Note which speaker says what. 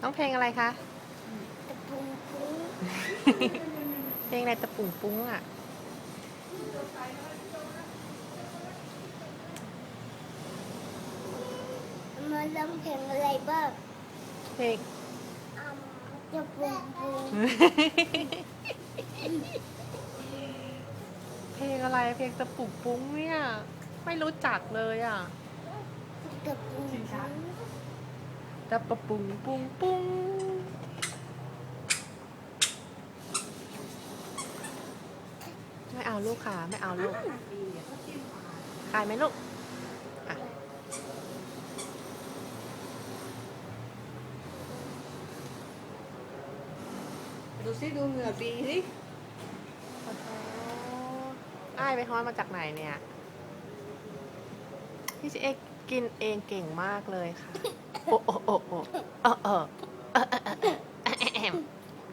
Speaker 1: องเพลงอะไรคะ
Speaker 2: ตะปุงปุ้ง
Speaker 1: เพลงอะไรตะปุ่งปุ้งอ่ะ
Speaker 2: มาร้องเพลงอะไรบ้าง
Speaker 1: เพลง
Speaker 2: ตะปุงปุ้ง
Speaker 1: เพลงอะไรเพลงตะปุ่งปุ้งเนี่ย ไม่รู้จักเลยอ่ะ
Speaker 2: ตะปุงปุ้ง
Speaker 1: ตะปะปุงปุงปุ้งไม่เอาลูกค่ะไม่เอาลูกขายไหมลูกอ่ะ
Speaker 3: ดูสิดูเหงื่อปีสิ
Speaker 1: โอ้โหอ้ายไปฮ้อนมาจากไหนเนี่ย พี่ชิเอกกินเองเก่งมากเลยค่ะ โอ้โอ้โอ้โอ้เออ